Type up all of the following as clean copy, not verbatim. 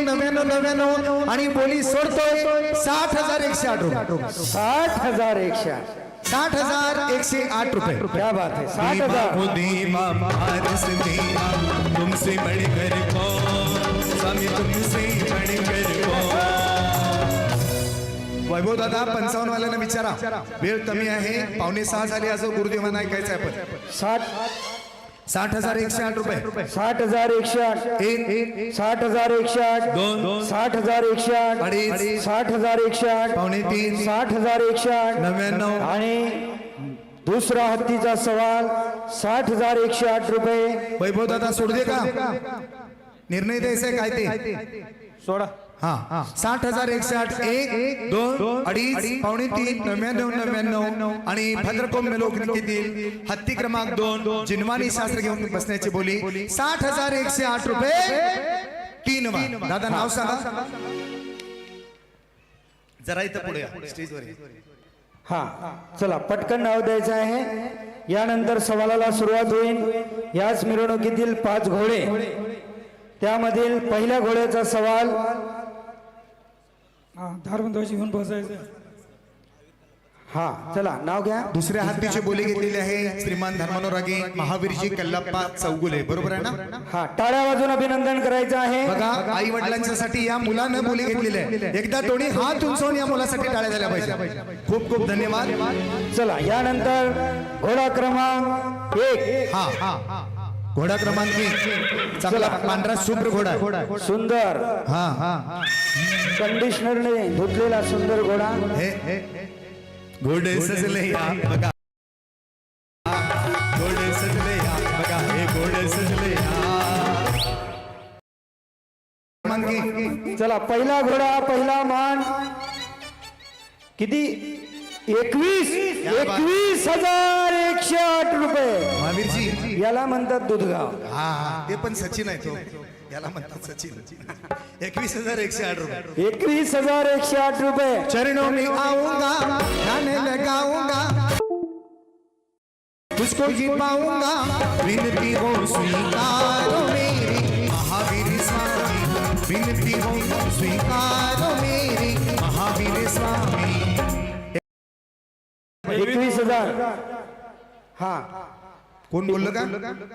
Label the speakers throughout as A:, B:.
A: 9999 आणि बोली सोडतोय 60,108 रुपये
B: 60,108 रुपये
A: क्या बात है 60,000
C: तुमसे बढ़कर कौन स्वामी तुमसे बढ़कर कौन।
B: वैभव दादा 55 वाल्यांना विचारा वेळ कमी आहे 5:45 झाली असं गुरुदेवांना ऐकायचं आहे आपण 60,108 रुपये
A: 60,108 60,108 60,108
B: अडीच
A: 60,108
B: 3:45
A: 60,108
B: 99
A: आणि दुसरा हत्तीचा सवाल 60,108 रुपये
B: वैभव दादा सोड दे का निर्णय द्यायचा आहे काय ते
A: सोडा
B: हा 60,108 1 2 अडीच 2:45 99 आणि भद्रकोम लोकनिकेतील हत्ती क्रमांक 2 जिनवानी शास्त्र घेऊन बसण्याची बोली 60,108 रुपये 3 वा दादा नाव सांगा जरा इथं पुढे स्टेजवर
A: हा चला पटकन नाव द्यायचं आहे यानंतर सवालाला सुरुवात होईल याच मिरवणुकीतील 5 घोडे त्यामधील पहिल्या घोड्याचा सवाल
D: धारबंदाची घेऊन बसायचं
A: हा चला नाव घ्या
B: दुसऱ्या हत्तीची बोली घेतलेली आहे श्रीमान धर्मानुरागी महावीरजी कल्लप्पा चौगुले बरोबर आहे ना
A: हा टाळ्या वाजून अभिनंदन करायचं आहे
B: बघा आई वडिलांच्यासाठी या मुलानं बोली घेतलेली आहे एकदा दोन्ही हात उंचावून या मुलासाठी टाळ्या झाल्या पाहिजे खूप खूप धन्यवाद
A: चला यानंतर घोडा क्रमांक 1
B: हा घोडा क्रमांक 1 चांगला पांढरा शुभ्र घोडा
A: सुंदर
B: हा
A: कंडिशनरने धुतलेला सुंदर घोडा
B: हे घोडे सजले या बघा घोडे सजले या बघा हे घोडे सजले या
A: चला पहिला घोडा पहिला मान किती 21,108 रुपये
B: महावीरजी
A: याला म्हणतात दुधगाव
B: हा ते पण सचिन आहे तो याला म्हणतात सचिन 21,108 रुपये
A: 21,108 रुपये
B: चरणों में आऊंगा गाने लगाऊंगा तुझको ही पाऊंगा विनती हो स्वीकारो मेरी महावीर स्वामी विनती हो स्वीकारो मेरी महावीर स्वामी
A: 21,000 हा
B: कोण बोललं का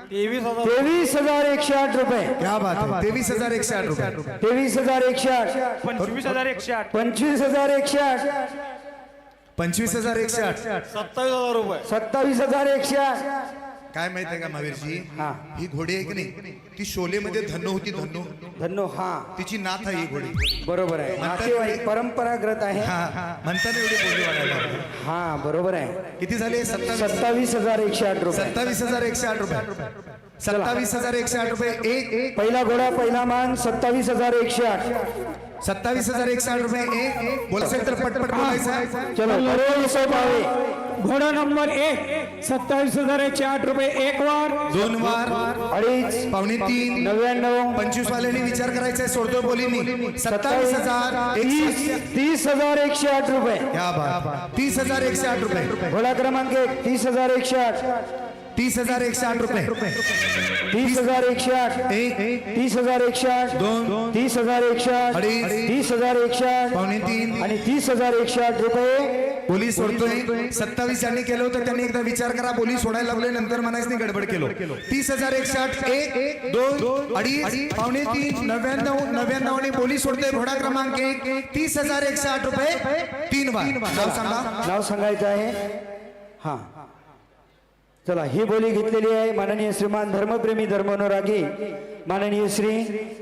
A: 23,108 रुपये
B: क्या बात है 23,108 रुपये
A: 23,108
D: 25,108
A: 25,108
B: 25,108
D: 27,000 रुपये
A: 27,108
B: काय माहित आहे का महावीरजी
A: हा.
B: ही घोडी आहे की नाही ती शोले मध्ये धन्नो होती धन्नो
A: धन्नो हा
B: तिची नाथ आहे ही घोडी
A: बरोबर आहे नातेवाईक परंपरागत आहे
B: हा म्हणताना एवढी बोली वाढायला
A: हा बरोबर आहे
B: किती झाले
A: 27,108 रुपये
B: 27,108 रुपये 27,108 रुपये एक
A: पहिला घोडा पहिला मान 27,108
B: 27,108 रुपये एक बोलायचं तर पटपट बोलायचं
A: चलो करोड सोपावे
D: घोडा नंबर 1 27,108 रुपये 1 वार
B: 2 वार
A: अडीच
B: 2:45
A: 99
B: 25 वाल्यांनी विचार करायचा सोडतो बोलीनी 27,000
A: 30,108 रुपये
B: क्या बात 30,108 रुपये
A: घोडा क्रमांक 1 30,108
B: 30,108 रुपये
A: 30,108
B: एक
A: 30,108
B: दोन
A: 30,108
B: अडीच
A: 30,108
B: 2:45
A: आणि 30,108 रुपये
B: बोली सोडतोय 27 ज्यांनी केलं होतं त्यांनी एकदा विचार करा बोली सोडायला लागले नंतर म्हणायचं गडबड केलो 30,108 एक दोन अडीच 2:45 99 आणि बोली सोडतोय घोडा क्रमांक 1 30,108 रुपये 3 वार नाव सांगा
A: नाव सांगायचं आहे हा चला ही बोली घेतलेली आहे माननीय श्रीमान धर्मप्रेमी धर्मानुरागी माननीय श्री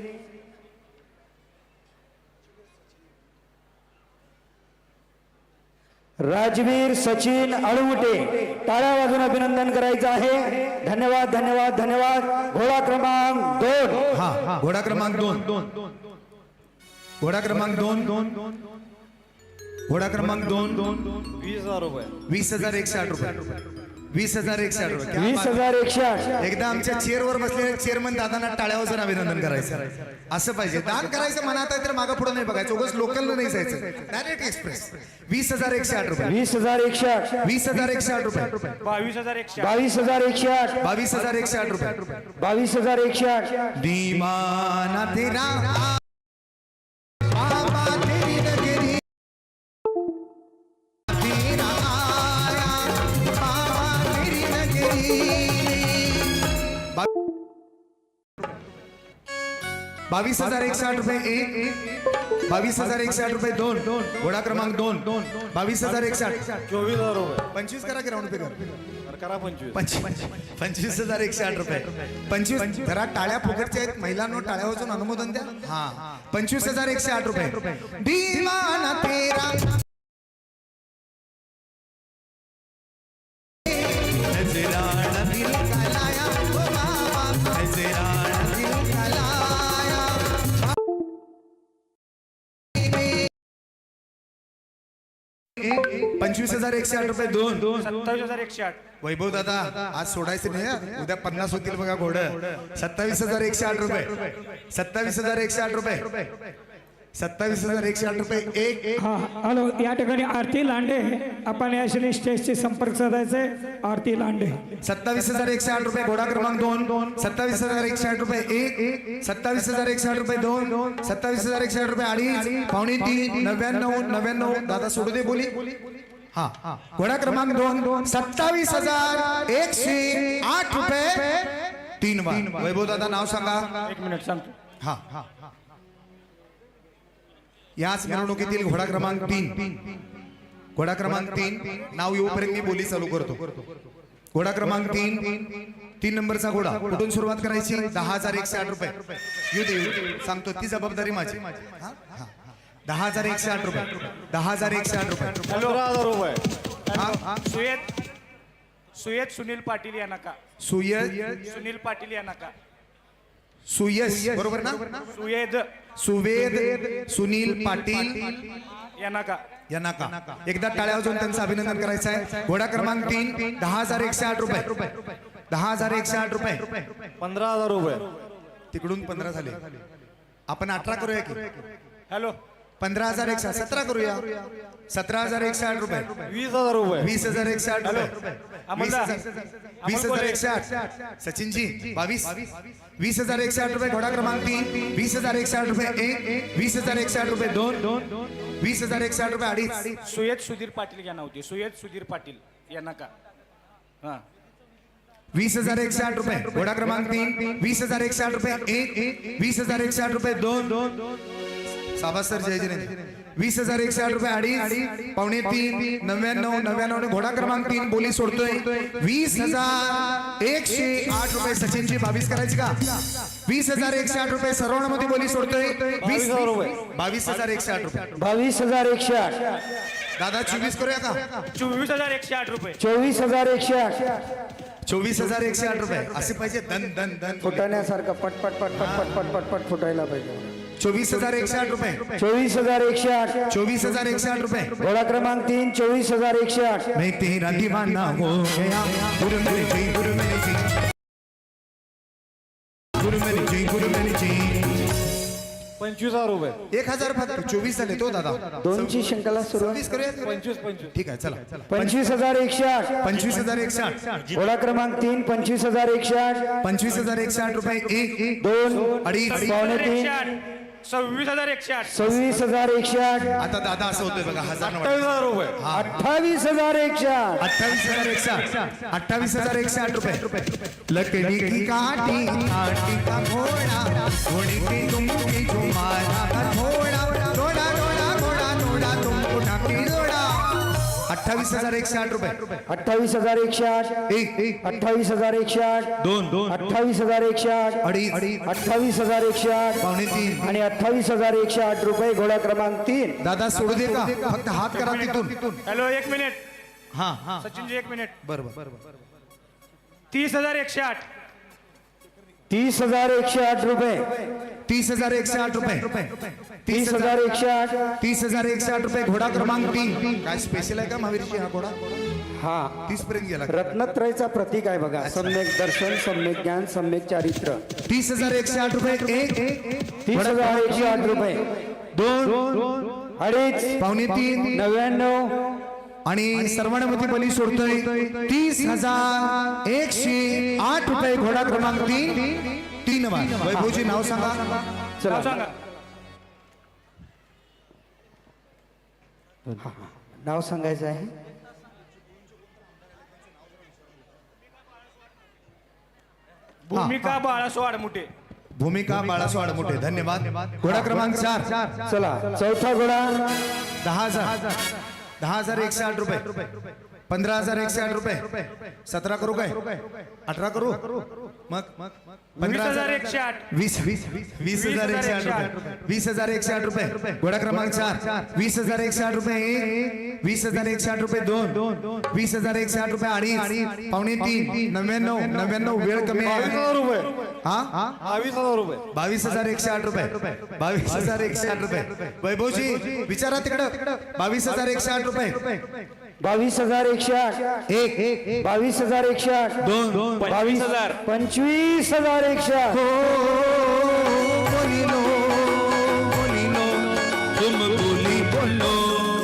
A: राजवीर सचिन अळवटे टाळ्या वाजून अभिनंदन करायचं आहे धन्यवाद धन्यवाद धन्यवाद घोडा क्रमांक 2
B: हा घोडा क्रमांक 2 घोडा क्रमांक 2 घोडा क्रमांक 2
D: 20,000 रुपये
B: 20,108 रुपये 20,108 रुपये
A: 20,108
B: एकदा आमच्या चेअरवर बसलेल्या चेअरमन दादांना टाळ्या वाजून अभिनंदन करायचं असं पाहिजे दान करायचं मनात आहे तर मागं पुढे नाही बघायचं उगाच लोकलला नाही जायचं डायरेक्ट एक्सप्रेस 20,108 रुपये
A: 20,108
B: 20,108 रुपये
D: 22,108
A: 22,108
B: 22,108 रुपये
A: 22,108
B: दीवाना तेरा 22,160 रुपये एक 22,160 रुपये दोन घोडा क्रमांक दोन 22,160
C: 24,000 रुपये
B: 25 करा की राऊंड फिगर
C: करा 25
B: 25,160 रुपये 25 जरा टाळ्या फुकटच्या आहेत महिलांनो टाळ्या वाजून अनुमोदन द्या हा 25,160 रुपये दीवाना तेरा
C: नजराना दिल
B: का लाया ओ बाबा
C: नजराना
B: दिल का लाया 25,160 रुपये दोन
D: 27,108.
B: वैभव दादा आज सोडायचं नाही हं. उद्या 50 होतील बघा घोड 27,160 रुपये 27,160 रुपये 27,160 रुपये एक
D: हा हॅलो या ठिकाणी आरती लांडे आपण या श्री स्टेजशी संपर्क साधायचे आरती लांडे
B: 27,160 रुपये घोडा क्रमांक दोन 27,160 रुपये एक 27,160 रुपये दोन 27,160 रुपये अडीच पावणे तीन 99 दादा सोडू दे बोली हा घोडा क्रमांक दोन 27,108 रुपये तीन बार वैभव दादा नाव सांगा
D: 1 मिनिट सांगतो.
B: हा याच मिरवणुकीतील घोडा क्रमांक तीन घोडा क्रमांक तीन नाव येऊपर्यंत मी बोली चालू करतो घोडा क्रमांक तीन नंबरचा घोडा कुठून सुरुवात करायची 10,160 रुपये येऊ दे सांगतो ती जबाबदारी माझी 10,160 रुपये 10,160 रुपये
C: 15,000 रुपये
B: हा
D: सुयेत सुनील पाटील या नका
B: सुनील
D: पाटील या नका
B: सुयश बरोबर ना सुवेद सुनील पाटील
D: या नका
B: यांना का एकदा टाळ्या वाजवून त्यांचं अभिनंदन करायचं आहे घोडा क्रमांक 3 10,160 रुपये 10,160 रुपये
C: 15,000 रुपये
B: तिकडून 15 झाले आपण 18 करूया की
D: हॅलो
B: 15,160 17 करूया 17,160 रुपये
C: 20,000 रुपये
B: 20,160 रुपये 20,160 सचिनजी 20,160 रुपये घोडा क्रमांक 3 20,160 रुपये एक 20,160 रुपये दोन 20,160 रुपये अडीच
D: सुयेत सुधीर पाटील या नव्हते सुयेत सुधीर पाटील या नका हा
B: 20,160 रुपये घोडा क्रमांक 3 20,160 रुपये एक 20,160 रुपये दोन साबास सर जय जय 20,160 रुपये अडीच पावणे तीन 99 घोडा क्रमांक 3 बोली सोडतोय 20,108 रुपये सचिनची 22 करायची का 20,108 रुपये सर्वांमध्ये बोली सोडतोय
C: 22,000 रुपये
B: 22,108 रुपये
A: 22,108
B: दादा 24 करूया का
D: 24,108 रुपये
A: 24,108
B: 24,108 रुपये असे पाहिजे दन दन दन
A: फुटण्यासारखं पट पट पट पट पट पट पट पट फुटायला पाहिजे
B: 24,108 रुपये
A: 24,108
B: 24,108 रुपये
A: घोडा क्रमांक 3 24,108
B: मैं तेरा दीवाना हो गया गुरु मेरी जी गुरु मेरी जी गुरु मेरी जी गुरु मेरी जी
C: 25,000 रुपये
B: 1,000 फक्त 24 झाले तो दादा
A: दोनची शंकाला सुरुवात
B: 24 करूया
C: 25
B: ठीक आहे चला
A: 25,108
B: 25,108
A: घोडा क्रमांक 3 25,108
B: 25,108 रुपये एक
A: दोन
B: अडीच
A: पावणे तीन
D: 26,108
A: 26,108
B: आता दादा असं होतंय बघा 1,000
C: 28,000 रुपये
A: 28,108
B: 28,108 रुपये लकड़ी की काटी काटी का घोड़ा घोड़े की तुम की तुम्हारा का घोड़ा घोड़ा घोड़ा घोड़ा घोड़ा तुम उठा के घोड़ा 28,108 रुपये
A: 28,108
B: एक
A: 28,108
B: दोन
A: 28,108
B: अडीच
A: 28,108
B: पावणे तीन
A: आणि 28,108 रुपये घोडा क्रमांक 3
B: दादा सोडू दे का फक्त हात करा तिथून
D: हॅलो 1 मिनिट
B: हा
D: सचिनजी 1 मिनिट
B: बरोबर
D: 30,108
A: 30,108 रुपये
B: 30,108 रुपये
A: 30,108
B: 30,108 रुपये घोडा क्रमांक 3 काय स्पेशल आहे का महावीरजी हा घोडा
A: हा
B: 30 पर्यंत गेला
A: रत्नत्रयचा प्रतीक आहे बघा सम्यक दर्शन सम्यक ज्ञान सम्यक चारित्र्य
B: 30,108 रुपये एक
A: 30,108 रुपये
B: दोन
A: अडीच
B: पावणे तीन
A: 99
B: आणि सर्वांमध्ये बली सोडतोय 30,108 रुपये घोडा क्रमांक 3 बार वैभवजी नाव सांगा
A: चला
D: सांगा
A: नाव सांगायचं आहे
D: भूमिका बाळासो आडमुठे
B: भूमिका बाळासो आडमुठे धन्यवाद. घोडा क्रमांक 4
A: चला चौथा घोडा
B: 10,000 10,108 रुपये 15,108 रुपये 17 करू काय 18 करू मग
D: 20,108
B: 20,108 रुपये 20,108 रुपये घोडा क्रमांक 4 20,108 रुपये 1 20,108 रुपये 2 20,108 रुपये अडीच पावणे 3 99 वेळ कमी आहे
C: 22,000 रुपये
B: हा
C: 22,000 रुपये
B: 22,108 रुपये 22,108 रुपये वैभवजी विचारा तिकडं 22,108 रुपये
A: 22,108
B: एक
A: 22,108
B: दोन
A: 22,000 25,108
B: बोलिलो बोलिलो तुम बोली बोलो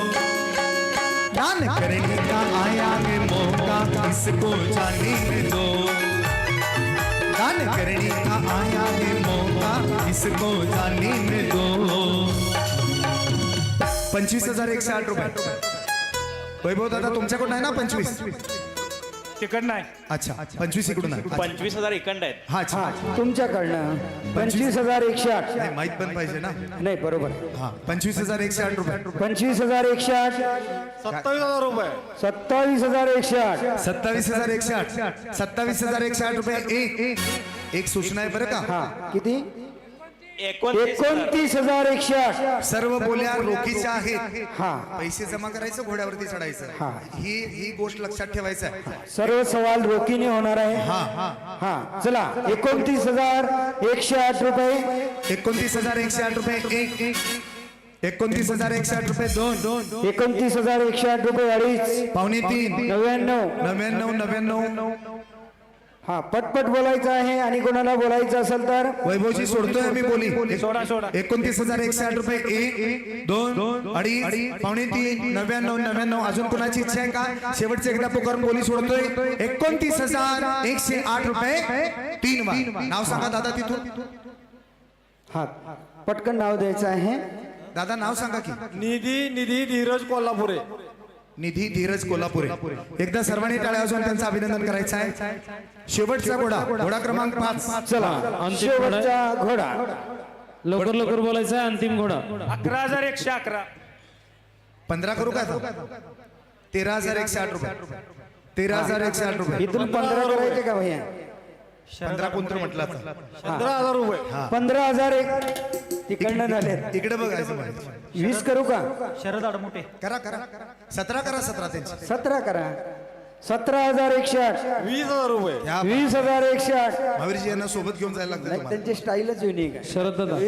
B: दान करने का आया है मौका इसको जाने दो दान करने का आया है मौका इसको जाने दो 25,108 रुपये वैभव दादा तुमच्याकडून आहे ना 25
D: तिकड नाही.
B: अच्छा 25 इकडून आहे
E: 25,000 इकंड आहेत.
B: हा अच्छा
A: हा तुमच्याकडनं 25,108
B: नाही माहित पण पाहिजे ना
A: नाही बरोबर
B: हा 25,108 रुपये
A: 25,108
C: 27,000 रुपये
A: 27,108
B: 27,108 27,108 रुपये एक सूचना आहे बरं का
A: हा किती
E: 29,000.
A: 29,108
B: सर्व बोल्या रोखीच्या आहेत
A: हा
B: पैसे जमा करायचं घोड्यावरती चढायचं
A: हा.
B: ही गोष्ट लक्षात ठेवायचं आहे
A: सर्व सवाल रोखीने होणार आहे
B: हा हा
A: हा चला 29,108 रुपये
B: 29,108 रुपये एक 29,108 रुपये दोन
A: 29,108 रुपये अडीच
B: पावणे 3
A: 99
B: 99
A: हा पटपट बोलायचं आहे आणि कोणाला बोलायचं असेल तर
B: वैभवजी सोडतोय मी बोली
D: सोडा सोडा
B: 29,108 रुपये एक दोन अडीच पावणे 3 99 अजून कोणाची इच्छा आहे का शेवटचे एकदा पुकारून बोली सोडतोय 29,108 रुपये 3 वार नाव सांगा दादा तिथून
A: हा पटकन नाव द्यायचं आहे
B: दादा नाव सांगा की
C: निधी धीरज कोल्हापुरे
B: निधी धीरज कोल्हापुरे एकदा सर्वांनी टाळ्या वाजवून त्यांचं अभिनंदन करायचं आहे शेवटचा घोडा क्रमांक 5
A: चला शेवटचा घोडा
F: लवकर बोलायचं आहे. अंतिम घोडा
D: 11,111
B: 15 करू का 13,108 रुपये 13,108 रुपये
A: इथून 15 करायचे का भैया
B: 15 कोणतं म्हटलं आता
C: 15,000 रुपये
A: 15,001 तिकडनं झाले
B: इकडे बघायचं
A: 20 करू का
D: शरद आडमुठे
B: करा 17 करा 17 त्यांची
A: 17 करा 17,108
C: 20,000 रुपये
A: 20,108
B: महावीरजी यांना सोबत घेऊन जायला लागतं
A: नाही
B: तुम्हाला
A: त्यांची स्टाईलच युनिक आहे
F: शरद दादा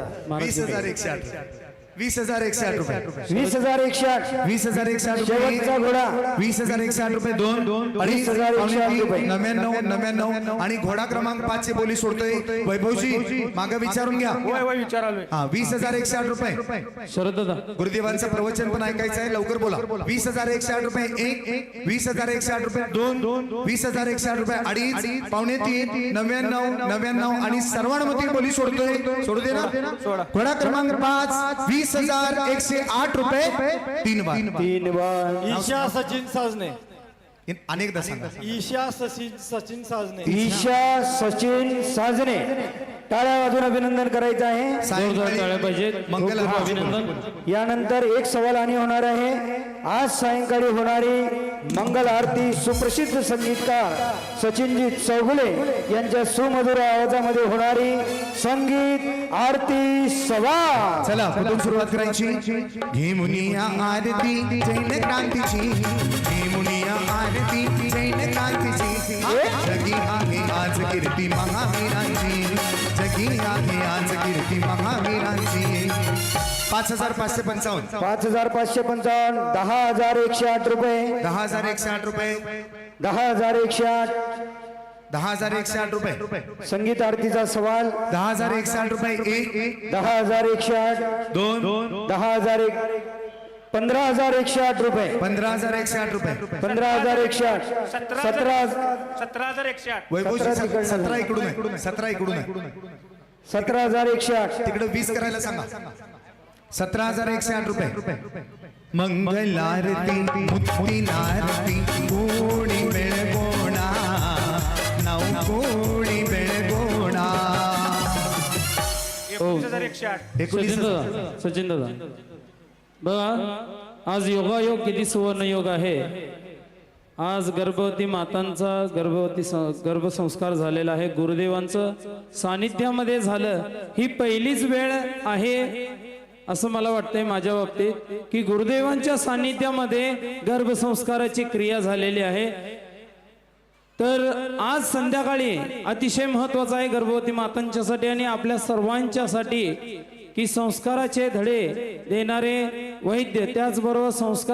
A: 20,000
B: 20,108 रुपये
A: 20,108
B: 20,108
A: शेवटचा घोडा
B: 20,108 रुपये दोन
A: 20,108 रुपये
B: 99 आणि घोडा क्रमांक 5 ची बोली सोडतोय वैभवजी मागे विचारून घ्या
D: वय विचारालोय
B: हा 20,108 रुपये
F: शरद दादा
B: गुरुदेवांचं प्रवचन पण ऐकायचं आहे लवकर बोला 20,108 रुपये एक 20,108 रुपये दोन 20,108 रुपये अडीच पावणे 3 99 आणि सर्वांमध्ये बोली सोडतोय सोडू दे ना घोडा क्रमांक 5 20,108 रुपये 3 वार
A: 3 वार
C: ईशा सचिन साजने
B: अनेकदा सांगा
C: ईशा सचिन साजने
A: ईशा सचिन साजने टाळ्या वाजून अभिनंदन करायचं आहे
F: जोरदार टाळ्या पाहिजेत.
B: मंगल
F: खूप
B: आरती.
F: अभिनंदन.
A: यानंतर एक सवाल आणि होणार आहे आज सायंकाळी होणारी मंगल आरती सुप्रसिद्ध संगीतकार सचिनजी चौगुले यांच्या सुमधुर आवाजामध्ये होणारी संगीत आरती सभा
B: चला कुठून सुरुवात करायची घे मुनिया आरती जैन क्रांतीची घे मुनिया आरती जैन क्रांतीची जगी आहे आज कीर्ती महावीरांची जगी आहे आज कीर्ती महावीरांची 5,555
A: 5,555 10,108 रुपये
B: 10,108 रुपये
A: 10,108
B: 10,108 रुपये
A: संगीत आरतीचा सवाल
B: 10,108 रुपये एक
A: 10,108
B: दोन
A: 10,001 15,108 रुपये
B: 15,108 रुपये
A: 15,108
D: 17,108
B: वैभवजी
A: 17
B: 17 इकडून आहे 17 इकडून आहे
A: 17,108
B: तिकडे 20 करायला सांगा 17,108 रुपये मंगलारती मुक्ती नारती कोणी बेळगोणा नाव कोणी बेळगोणा
F: सचिन दादा सचिन दादा बघा आज योगायोग किती सुवर्ण योग आहे. आज गर्भवती मातांचा गर्भसंस्कार झालेला आहे. गुरुदेवांचं सानिध्यामध्ये झालं. ही पहिलीच वेळ आहे असं मला वाटतंय माझ्या बाबतीत की गुरुदेवांच्या सानिध्यामध्ये गर्भसंस्काराची क्रिया झालेली आहे. तर आज संध्याकाळी अतिशय महत्वाचं आहे गर्भवती मातांच्यासाठी आणि आपल्या सर्वांच्यासाठी की संस्काराचे धडे देणारे वैद्य, त्याचबरोबर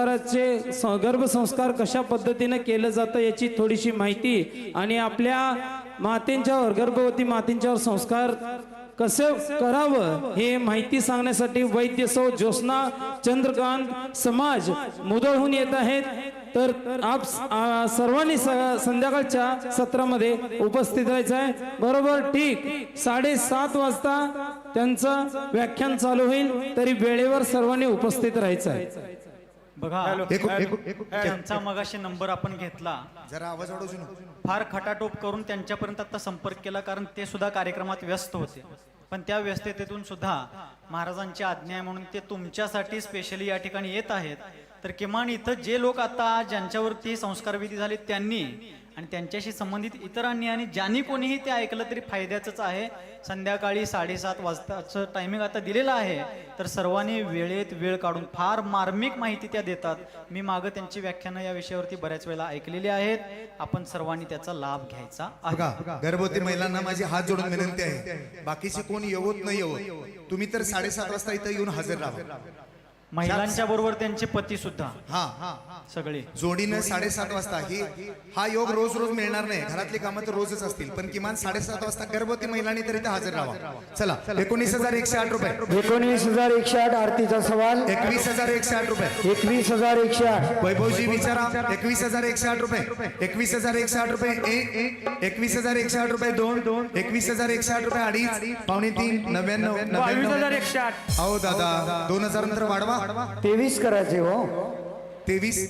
F: गर्भसंस्कार कशा पद्धतीने केलं जातं याची थोडीशी माहिती आणि आपल्या मातेंच्यावर गर्भवती मातेंच्यावर संस्कार कसं करावं हे माहिती सांगण्यासाठी वैद्य सौ ज्योत्स्ना चंद्रकांत समाज मुदळहून येत आहेत. तर आप सर्वांनी संध्याकाळच्या सत्रामध्ये उपस्थित राहायचं आहे. बरोबर ठीक 7:30 वाजता त्यांचं व्याख्यान चालू होईल. तरी वेळेवर सर्वांनी उपस्थित राहायचं आहे.
G: बघा त्यांचा मगाशी नंबर आपण घेतला,
B: जरा आवाज वाढवू नका.
G: फार खटाटोप करून त्यांच्यापर्यंत आता संपर्क केला कारण ते सुद्धा कार्यक्रमात व्यस्त होते. पण त्या व्यस्ततेतून सुद्धा महाराजांची आज्ञा आहे म्हणून ते तुमच्यासाठी स्पेशली या ठिकाणी येत आहेत. तर किमान इथं जे लोक आता ज्यांच्यावरती संस्कारविधी झाले त्यांनी आणि त्यांच्याशी संबंधित इतरांनी आणि ज्यांनी कोणीही ते ऐकलं तरी फायद्याचंच आहे. संध्याकाळी 7:30 वाजताचं टायमिंग आता दिलेलं आहे. तर सर्वांनी वेळेत वेळ काढून फार मार्मिक माहिती त्या देतात. मी मागं त्यांची व्याख्यानं या विषयावरती बऱ्याच वेळा ऐकलेली आहेत. आपण सर्वांनी त्याचा लाभ घ्यायचा आहे.
B: बघा गर्भवती महिलांना माझी हात जोडून विनंती आहे, बाकीचे कोण येवत नाही येवत, तुम्ही तर 7:30 वाजता इथं येऊन हजर राहा.
G: महिलांच्या बरोबर त्यांचे पती सुद्धा
B: हा
G: सगळे
B: जोडीनं 7:30 वाजता हा योग रोज रोज मिळणार नाही. घरातली कामं तर रोजच असतील, पण किमान 7:30 वाजता गर्भवती महिलांनी तरी इथं हजर राहा. चला 19,108 रुपये.
A: 19,108 आरतीचा सवाल.
B: 21,108 रुपये.
A: 21,108.
B: वैभवजी विचारा. 21,108 रुपये. 21,108 रुपये 1. 21,108 रुपये 2. 21,108 रुपये 2.5. 2.5 99
C: 22,108.
B: अहो दादा 2,000 नंतर वाढवा.
A: 23 करायचे हो.
B: 23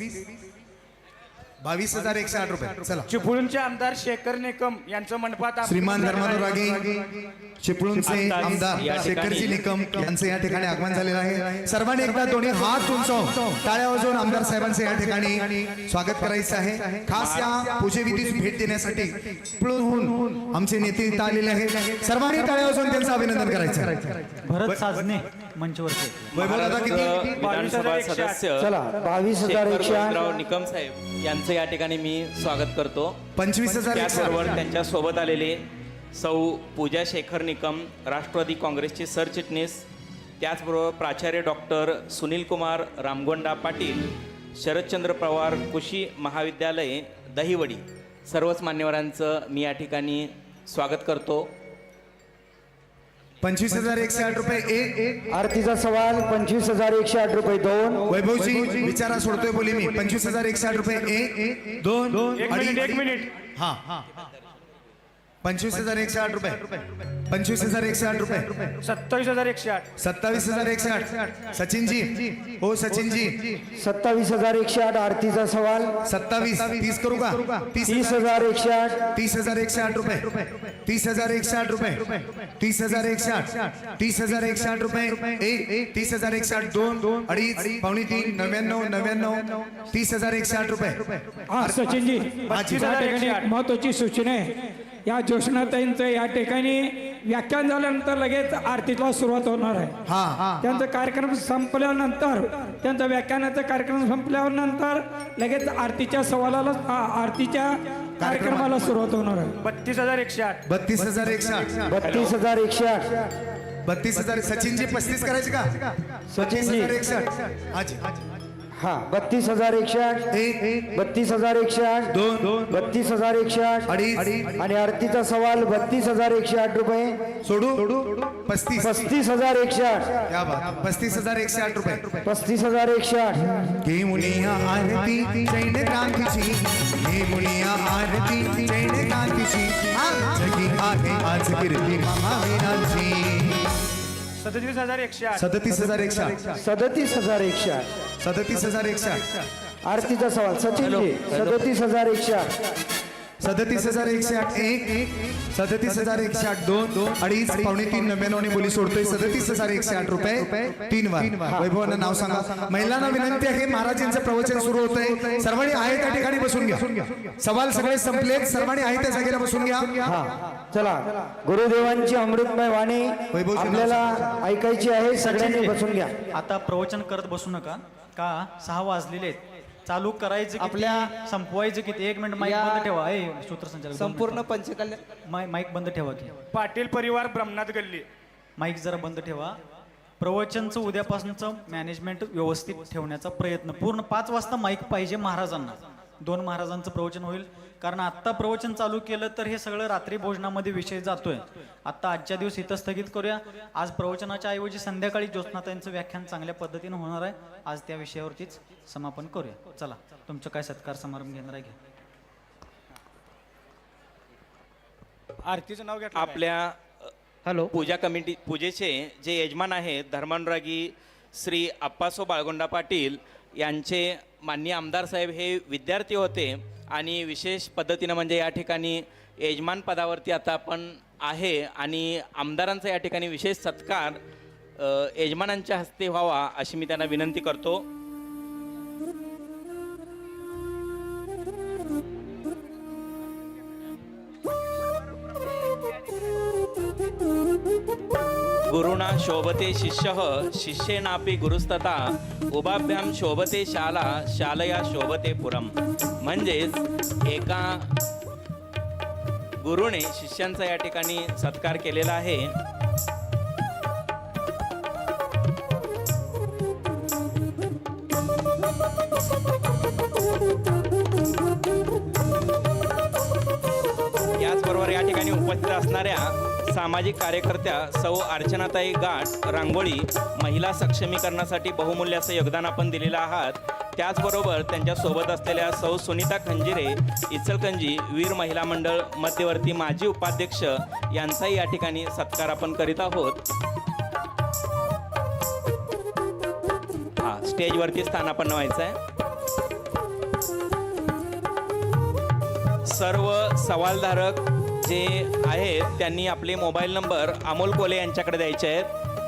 B: 22,108 रुपये. चला
C: चिपळूणचे आमदार शेखर निकम यांचं मंडपात
B: श्रीमान धर्मानुरागी चिपळूणचे आमदार शेखरजी निकम यांचं या ठिकाणी आगमन झालेलं आहे. सर्वांनी एकदा दोन्ही हात उंचावून टाळ्या वाजवून आमदार साहेबांचं या ठिकाणी स्वागत करायचं आहे. खास या पूजेविधीस भेट देण्यासाठी चिपळूणहून आमचे नेते इथं आलेले आहेत. सर्वांनी टाळ्या वाजवून त्यांचं अभिनंदन करायचं आहे.
G: भरत साजने मंचवरचे.
B: वैभव दादा किती?
E: विधानसभा सदस्य
A: चला
E: शेखर
A: 22,108.
E: गोविंदराव निकम साहेब यांचं या ठिकाणी मी स्वागत करतो.
B: 25,108.
E: त्याचबरोबर त्यांच्या सोबत आलेले सौ पूजा शेखर निकम राष्ट्रवादी काँग्रेसचे सरचिटणीस, त्याचबरोबर प्राचार्य डॉक्टर सुनील कुमार रामगोंडा पाटील शरदचंद्र पवार कृषी महाविद्यालय दहिवडी, सर्वच मान्यवरांचं मी या ठिकाणी स्वागत करतो.
B: 25,108 रुपये 1.
A: आरतीचा सवाल. 25,108 रुपये 2.
B: वैभवजी विचारा सोडतोय बोली मी. 25,108 रुपये 1 2
C: एक मिनिट
B: हा 25,108 रुपये. 25,108 रुपये.
C: 27,108.
B: 27,108. सचिनजी हो सचिनजी
A: 27,108 आरतीचा सवाल.
B: 27 30 करू का?
A: 30,108.
B: 30,108 रुपये. 30,108 रुपये. 30,108. 30,108 रुपये 1. 30,108 2 2.5 2.5 99 99 30,108 रुपये.
D: हा सचिनजी
B: हाजी.
D: या ठिकाणी एक महत्वाची सूचना आहे. या ज्योत्स्नाताईंचं या ठिकाणी व्याख्यान झाल्यानंतर लगेच आरतीला सुरुवात होणार आहे.
B: हा
D: त्यांचा कार्यक्रम संपल्यानंतर त्यांचा व्याख्यानाचा कार्यक्रम संपल्यानंतर लगेच आरतीच्या सवालाला आरतीच्या कार्यक्रमाला सुरुवात होणार आहे.
C: 32,108.
B: 32,108.
A: 32,108.
B: 32,000. सचिनजी 35 करायचे का?
A: सचिनजी.
B: 32,108. हाजी
A: हा 32,108.
B: 1
A: 32,108.
B: 2 2
A: 32,108.
B: 2.5
A: आणि आरतीचा सवाल 32,108 रुपये.
B: सोडू 35.
A: 35,108.
B: क्या बात. 35,108 रुपये.
A: 35,108.
B: घे मुनिया आरती जैन क्रांतीची. घे मुनिया आरती जैन क्रांतीची. जगी आहे आज कीर्ती महावीरांची.
C: 37,108.
B: 37,108.
A: 37,108.
B: 37,108.
A: आरतीचा सवाल. सचिनजी 37,108.
B: 37,108 37,108 2 पावणे 3 99 बोली सोडतोय 37,108 रुपये 3 वार वैभवांना नाव सांगा महिलांना विनंती आहे महाराजांचं प्रवचन सुरू होतंय सर्वांनी आहे त्या ठिकाणी बसून घ्या सवाल सगळे संपलेत सर्वांनी आहे त्या जागेला बसून घ्या
A: हा चला गुरुदेवांची अमृतमय वाणी
B: वैभव
A: आपल्याला ऐकायची आहे सगळ्यांनी बसून घ्या
G: आता प्रवचन करत बसू नका का 6 वाजलेले आहेत चालू करायचं आपल्या संपवायचं किती 1 मिनिट माईक बंद ठेवा सूत्रसंचालक
H: संपूर्ण पंचकल्याण
G: माईक बंद ठेवा की
C: पाटील परिवार ब्रह्मनाथ गल्ली
G: माईक जरा बंद ठेवा प्रवचनचं उद्यापासूनचं मॅनेजमेंट व्यवस्थित ठेवण्याचा प्रयत्न पूर्ण 5 वाजता माईक पाहिजे महाराजांना 2 महाराजांचं प्रवचन होईल कारण आत्ता प्रवचन चालू केलं तर हे सगळं रात्री भोजनामध्ये विषय जातोय आत्ता आजच्या दिवस इथं स्थगित करूया आज प्रवचनाच्या ऐवजी संध्याकाळी ज्योत्स्नाताईंचं व्याख्यान चांगल्या पद्धतीनं होणार आहे आज त्या विषयावरतीच समापन करूया चला तुमचं काय सत्कार समारंभ घेणार आहे घ्या
C: आरतीचं नाव घेतलं
E: आपल्या
H: हॅलो
E: पूजा कमिटी पूजेचे जे यजमान आहेत धर्मानुरागी श्री अप्पासो बाळगोंडा पाटील यांचे माननीय आमदार साहेब हे विद्यार्थी होते आणि विशेष पद्धतीनं म्हणजे या ठिकाणी यजमान पदावरती आता आपण आहे आणि आमदारांचा या ठिकाणी विशेष सत्कार यजमानांच्या हस्ते व्हावा अशी मी त्यांना विनंती करतो. गुरुना शोभते शिष्य शिष्येनापि गुरुस्तथा उभाभ्याम शोभते शाला शालया शोभते पुरम. म्हणजेच एका गुरुने शिष्यांचा या ठिकाणी सत्कार केलेला आहे. याचबरोबर या ठिकाणी उपस्थित असणाऱ्या सामाजिक कार्यकर्त्या सौ अर्चनाताई गाठ रांगोळी महिला सक्षमीकरणासाठी बहुमूल्य असं योगदान आपण दिलेलं आहात. त्याचबरोबर त्यांच्यासोबत असलेल्या सौ सुनीता खंजिरे इचलकंजी वीर महिला मंडळ मध्यवर्ती माजी उपाध्यक्ष यांचाही या ठिकाणी सत्कार आपण करीत आहोत. स्टेजवरती स्थानापन्न व्हायचं आहे. सर्व सवालधारक जे आहेत त्यांनी आपले मोबाईल नंबर अमोल कोले यांच्याकडे द्यायचे आहेत.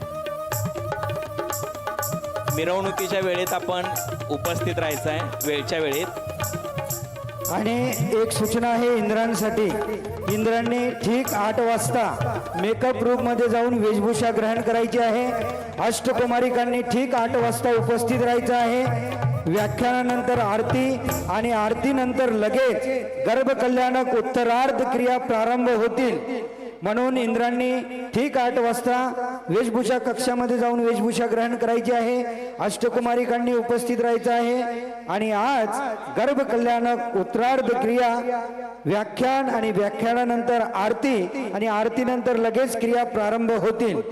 E: मिरवणुकीच्या वेळेत आपण उपस्थित राहायचं आहे वेळच्या वेळेत.
A: आणि एक सूचना आहे इंद्रांसाठी. इंद्रांनी ठीक 8 वाजता मेकअप रूम मध्ये जाऊन वेशभूषा ग्रहण करायची आहे. अष्टकुमारिकांनी ठीक 8 वाजता उपस्थित राहायचं आहे. व्याख्यानानंतर आरती आणि आरतीनंतर लगेच गर्भकल्याणक उत्तरार्ध क्रिया प्रारंभ होतील. म्हणून इंद्रांनी ठीक 8 वाजता वेशभूषा कक्षामध्ये जाऊन वेशभूषा ग्रहण करायची आहे. अष्टकुमारिकांनी उपस्थित राहायचं आहे. आणि आज गर्भकल्याणक उत्तरार्ध क्रिया व्याख्यान आणि व्याख्यानानंतर आरती आणि आरतीनंतर लगेच क्रिया प्रारंभ होतील.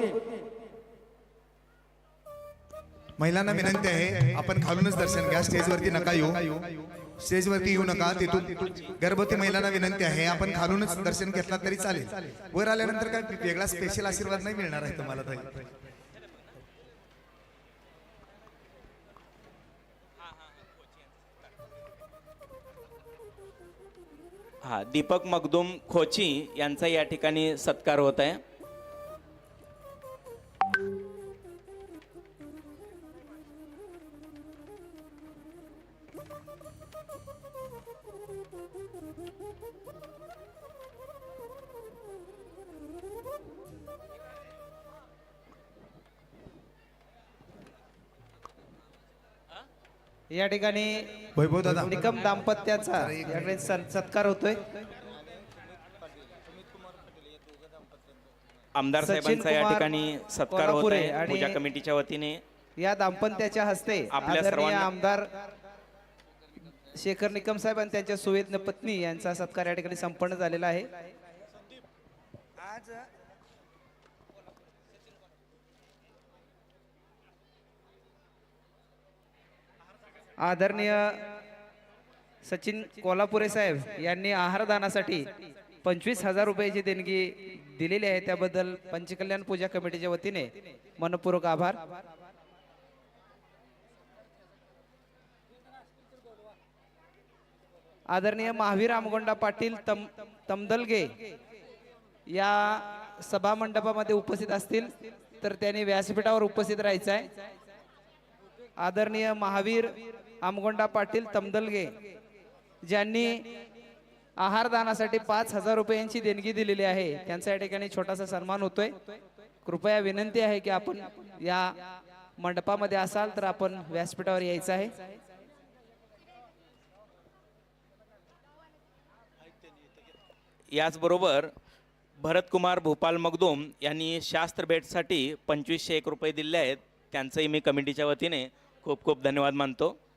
B: महिलांना विनंती आहे आपण खालूनच दर्शन घ्या स्टेजवरती नका येऊ स्टेजवरती येऊ नका. तिथून गर्भवती महिलांना विनंती आहे आपण खालूनच दर्शन घेतला तरी चालेल. वर आल्यानंतर काय वेगळा स्पेशल आशीर्वाद नाही मिळणार आहे तुम्हाला ताई.
E: दीपक मगदूम खोची यांचा या ठिकाणी सत्कार होत आहे.
H: या ठिकाणी
B: वैभव दादा
H: निकम दाम्पत्याचा या ठिकाणी सत्कार होतोय.
E: आमदार
H: सचिन
E: साहेबांचा या
H: कुमार
E: ठिकाणी सत्कार होत
H: कोल्हापुरे
E: आहे
H: आणि
E: पूजा कमिटीच्या वतीने.
H: या दाम्पत्याच्या हस्ते
E: आपल्या
H: आदरणीय
E: सर्वांना-
H: आमदार शेखर निकम साहेब आणि त्यांच्या सुवेद्य पत्नी यांचा सत्कार या ठिकाणी संपन्न झालेला आहे. आदरणीय सचिन कोल्हापुरे साहेब यांनी आहारदानासाठी 25,000 रुपयाची देणगी दिलेली आहे. त्याबद्दल पंचकल्याण पूजा कमिटीच्या वतीने मनपूर्वक आभार. आदरणीय महावीर आमगोंडा पाटील तमदलगे या सभा मंडपामध्ये उपस्थित असतील तर त्यांनी व्यासपीठावर उपस्थित राहायचं आहे. आदरणीय महावीर आमगोंडा पाटील तमदलगे ज्यांनी आहार दानासाठी 5,000 रुपयांची देणगी दिलेली आहे त्यांचा या ठिकाणी छोटासा सन्मान होतोय. कृपया विनंती आहे की आपण या मंडपामध्ये असाल तर आपण व्यासपीठावर यायचं आहे.
E: याचबरोबर भरतकुमार भूपाल मगदूम यांनी शास्त्र भेटसाठी 2501 रुपये दिले आहेत. त्यांचंही मी कमिटीच्या वतीने खूप खूप धन्यवाद मानतो.